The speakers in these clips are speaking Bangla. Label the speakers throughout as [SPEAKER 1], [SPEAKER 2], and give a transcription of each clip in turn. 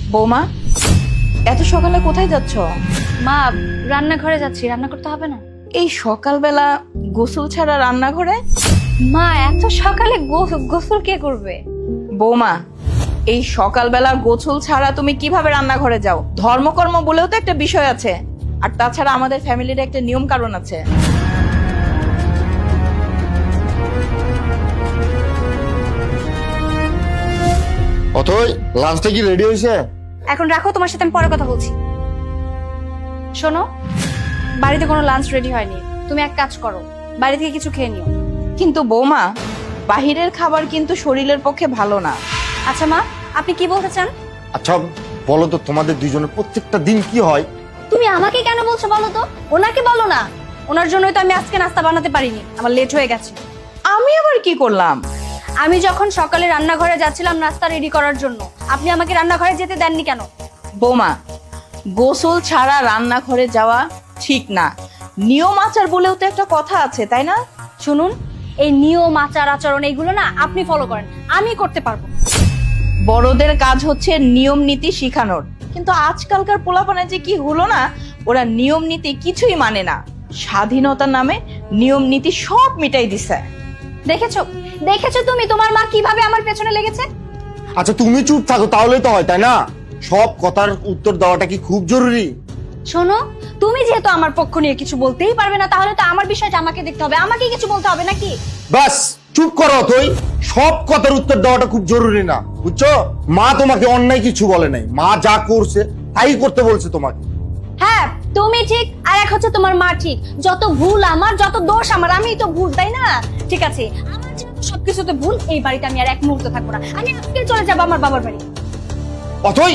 [SPEAKER 1] বৌমা, এত সকালে কোথায় যাচ্ছ?
[SPEAKER 2] মা, রান্নাঘরে যাচ্ছি, রান্না করতে হবে না?
[SPEAKER 1] এই সকালবেলা গোসল ছাড়া রান্নাঘরে?
[SPEAKER 2] মা, এত সকালে গোসল কে করবে?
[SPEAKER 1] বৌমা, এই সকালবেলা গোসল ছাড়া তুমি কিভাবে রান্নাঘরে যাও? ধর্মকর্ম বলেও তো একটা বিষয় আছে, আর তাছাড়া আমাদের ফ্যামিলির একটা নিয়ম কারণ আছে।
[SPEAKER 3] অথই, লাঞ্চটা কি রেডি হয়েছে?
[SPEAKER 2] এখন রাখো, তোমার সাথে আমি পরে কথা বলছি। শোনো, বাড়িতে কোনো লাঞ্চ রেডি হয়নি। তুমি এক কাজ করো, বাড়ি থেকে কিছু খেয়ে নিও।
[SPEAKER 1] কিন্তু বৌমা, বাহিরের খাবার কিন্তু শরীরের পক্ষে ভালো না।
[SPEAKER 2] আচ্ছা মা, আপনি কি বলতে চান?
[SPEAKER 3] আচ্ছা বলো তো, তোমাদের দুইজনের প্রত্যেকটা দিন কি হয়?
[SPEAKER 2] তুমি আমাকে কেন বলছো বলো তো? ওনাকে বলো না। ওনার জন্যই তো আমি আজকে নাস্তা বানাতে পারিনি, আমার লেট হয়ে গেছে।
[SPEAKER 1] আমি আবার কি করলাম?
[SPEAKER 2] আমি যখন সকালে রান্নাঘরে যাচ্ছিলাম নাস্তা রেডি করার জন্য, আপনি আমাকে রান্নাঘরে যেতে দেননি কেন?
[SPEAKER 1] বৌমা, গোসল ছাড়া রান্নাঘরে যাওয়া ঠিক না। নিয়ম আচার বলেও তো একটা কথা আছে, তাই না?
[SPEAKER 2] শুনুন, এই নিয়ম আচার আচরণ এইগুলো না আপনি ফলো করেন, আমি করতে পারবো না।
[SPEAKER 1] বড়দের কাজ হচ্ছে নিয়ম নীতি শিখানোর, কিন্তু আজকালকার পোলাপানে যে কি হলো না, ওরা নিয়ম নীতি কিছুই মানে না। স্বাধীনতার নামে নিয়ম নীতি সব মিটাই দিছে।
[SPEAKER 2] দেখেছো দেখেছো তুমি তোমার মা কিভাবে আমার পেছনে লেগেছে?
[SPEAKER 3] আচ্ছা তুমি চুপ থাকো তাহলেই তো হয়, তাই না? সব কথার উত্তর দেওয়াটা কি খুব জরুরি?
[SPEAKER 2] শোনো, তুমি যেহেতু আমার পক্ষ নিয়ে কিছু বলতেই পারবে না, তাহলে তো আমার বিষয়টা আমাকে দেখতে হবে, আমাকেই কিছু বলতে হবে নাকি?
[SPEAKER 3] বাস চুপ করো অথই, সব কথার উত্তর দেওয়াটা খুব জরুরি না, বুঝছো? মা তোমাকে অন্যায় কিছু বলে নাই, মা যা করছে তাই করতে বলছে তোমাকে।
[SPEAKER 2] হ্যাঁ, তুমি ঠিক, আর এক হচ্ছে তোমার মা ঠিক। যত ভুল আমার, যত দোষ আমার, আমিই তো ভুল, তাই না? ঠিক আছে, আমার যেহেতু সবকিছুতে ভুল, এই বাড়িতে আমি আর এক মুহূর্ত থাকবো না। আমি আজকে চলে যাবো আমার বাবার বাড়ি।
[SPEAKER 3] অথই,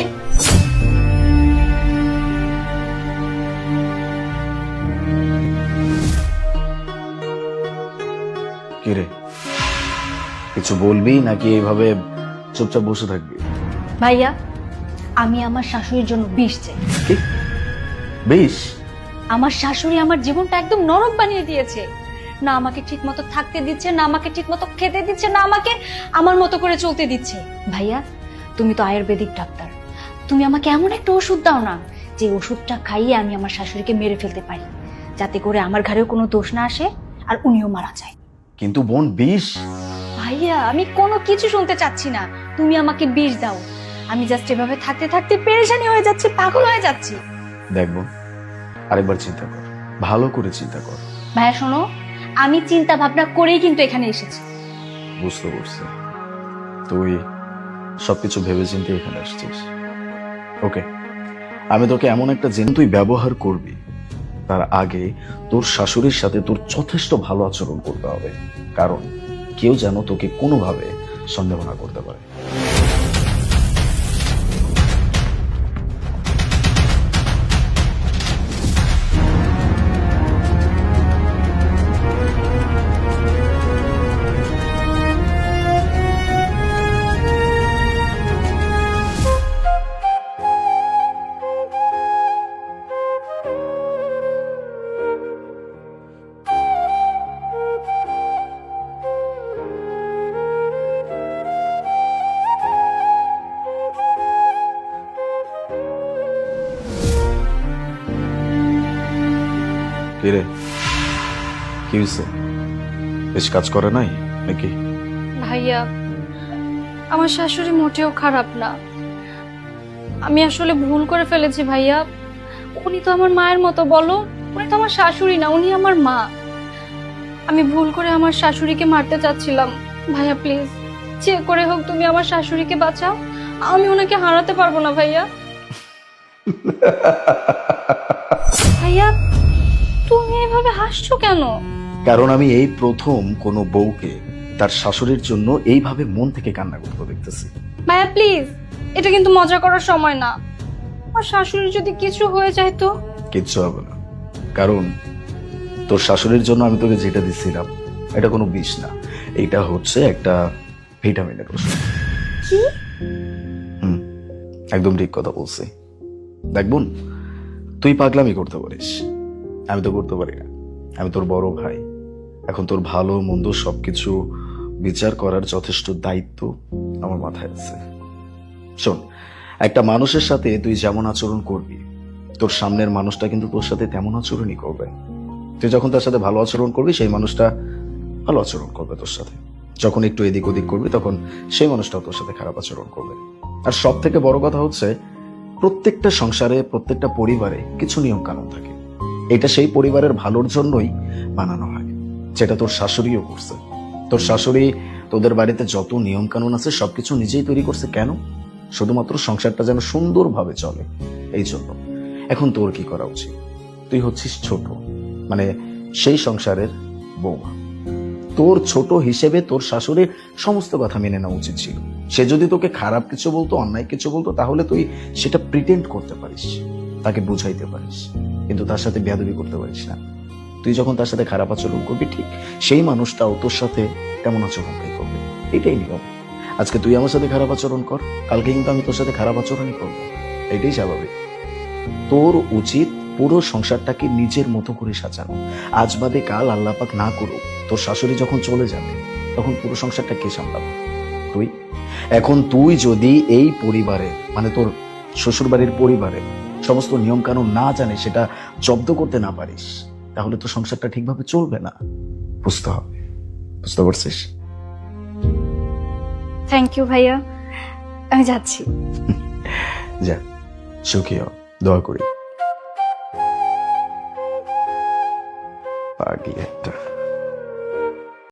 [SPEAKER 4] কিরে, কিছু বলবি নাকি এইভাবে চুপচাপ বসে থাকবি?
[SPEAKER 2] ভাইয়া, আমি আমার শাশুড়ির জন্য বিষ চাই।
[SPEAKER 4] কি বেশ?
[SPEAKER 2] আমার শাশুড়ি আমার জীবনটা একদম নরক বানিয়ে দিয়েছে। না আমাকে ঠিক মতো থাকতে দিচ্ছে, না আমাকে ঠিক মতো খেতে দিচ্ছে, না আমাকে আমার মতো করে চলতে দিচ্ছে। ভাইয়া, তুমি তো আয়ুর্বেদিক ডাক্তার, তুমি আমাকে এমন একটা ওষুধ দাও না, যে ওষুধটা খাইয়ে আমি আমার শাশুড়িকে মেরে ফেলতে পারি, যাতে করে আমার ঘরেও কোনো দোষ না আসে আর উনিও মারা যায়।
[SPEAKER 4] কিন্তু বোন, বিষ?
[SPEAKER 2] ভাইয়া, আমি কোনো কিছু শুনতে চাচ্ছি না, তুমি আমাকে বিষ দাও। আমি জাস্ট এভাবে থাকতে থাকতে পেরেশানি হয়ে যাচ্ছি, পাগল হয়ে যাচ্ছি।
[SPEAKER 4] দেখ বোন, আরেকবার চিন্তা কর, ভালো করে চিন্তা কর।
[SPEAKER 2] ভাইয়া শোনো, আমি চিন্তা ভাবনা করেই কিন্তু এখানে এসেছি।
[SPEAKER 4] বুঝতে পারছি, তুই সবকিছু ভেবে চিন্তে এখানে আসছিস। ওকে, আমি তোকে এমন একটা জিনিস তুই ব্যবহার করবি, তার আগে তোর শাশুড়ির সাথে তোর যথেষ্ট ভালো আচরণ করতে হবে, কারণ কেউ যেন তোকে কোনোভাবে সন্দেহ না করতে পারে। কিরে, কি হয়েছে? বেশ কাজ করে নাই নাকি?
[SPEAKER 2] ভাইয়া, আমার শাশুড়ি মোটেও খারাপ না। আমি আসলে ভুল করে ফেলেছি ভাইয়া। উনি তো আমার মায়ের মতো, বলো, উনি তো আমার শাশুড়ি না, উনি আমার মা। আমি ভুল করে আমার শাশুড়িকে মারতে চাচ্ছিলাম। ভাইয়া প্লিজ, যে করে হোক তুমি আমার শাশুড়িকে বাঁচাও, আমি ওনাকে হারাতে পারবো না ভাইয়া। ভাইয়া, তুমি এভাবে হাসছো কেন?
[SPEAKER 4] কারণ আমি এই প্রথম কোনো বউকে তার শাশুড়ির জন্য এইভাবে মন থেকে কান্না করতে দেখতেছি।
[SPEAKER 2] ভাইয়া প্লিজ, এটা কিন্তু মজা করার সময় না। আমার শাশুড়ির যদি কিছু হয়ে যায় তো?
[SPEAKER 4] কিচ্ছু হবে না, কারণ তোর শাশুড়ির জন্য আমি তোকে যেটা দিচ্ছিলাম এটা কোনো বিষ না, এটা হচ্ছে একটা ভিটামিনের ওষুধ।
[SPEAKER 2] কি?
[SPEAKER 4] একদম ঠিক কথা বলছি। দেখ বোন, তুই পাগলামি করতে পারিস, আমি তো করতে পারি না। আমি তোর বড় ভাই, এখন তোর ভালো মন্দ সবকিছু বিচার করার যথেষ্ট দায়িত্ব আমার মাথায় আছে। শোন, একটা মানুষের সাথে তুই যেমন আচরণ করবি, তোর সামনের মানুষটা কিন্তু তোর সাথে তেমন আচরণই করবে। তুই যখন তার সাথে ভালো আচরণ করবি, সেই মানুষটা ভালো আচরণ করবে তোর সাথে। যখন একটু এদিক ওদিক করবি, তখন সেই মানুষটাও তোর সাথে খারাপ আচরণ করবে। আর সব থেকে বড় কথা হচ্ছে, প্রত্যেকটা সংসারে, প্রত্যেকটা পরিবারে কিছু নিয়ম কানুন থাকে। এটা সেই পরিবারের ভালোর জন্যই বানানো হয়, যেটা তোর শাশুড়িও করছে। তোর শাশুড়ি তোদের বাড়িতে যত নিয়ম কানুন আছে সবকিছু নিজেই তৈরি করছে। কেন? শুধুমাত্র সংসারটা যেন সুন্দরভাবে চলে, এই জন্য। এখন তোর কি করা উচিত? তুই হচ্ছিস ছোট, মানে সেই সংসারের বৌমা। তোর ছোট হিসেবে তোর শাশুড়ির সমস্ত কথা মেনে নেওয়া উচিত ছিল। সে যদি তোকে খারাপ কিছু বলতো, অন্যায় কিছু বলতো, তাহলে তুই সেটা প্রিটেন্ড করতে পারিস, তাকে বুঝাইতে পারিস, কিন্তু তার সাথে বেয়াদবি করতে পারিস না। তুই যখন তার সাথে খারাপ আচরণ করবি, ঠিক সেই মানুষটাও তোর সাথে তেমন আচরণটাই করবে। এটাই নিয়ম। আজকে তুই আমার সাথে খারাপ আচরণ কর, কালকে কিন্তু আমি তোর সাথে খারাপ আচরণই করবো। এটাই স্বাভাবিক। তোর উচিত পুরো সংসারটাকে নিজের মতো করে সাজানো। আজ বাদে কাল, আল্লাহ পাক না করুক, তোর শাশুড়ি যখন চলে যাবে, তখন পুরো সংসারটা কে সামলাবে? তুই। এখন তুই যদি এই পরিবারে, মানে তোর শ্বশুর বাড়ির পরিবারে সমস্ত নিয়ম কানুন না জানে, সেটা জব্দ করতে না পারিস, তাহলে তো সংসারটা ঠিকভাবে চলবে না। বুঝতে হবে। বুঝতে পারছিস?
[SPEAKER 2] থ্যাংক ইউ ভাইয়া, আমি যাচ্ছি।
[SPEAKER 4] যা, সুখী হ, দোয়া করি। পাগলি একটা।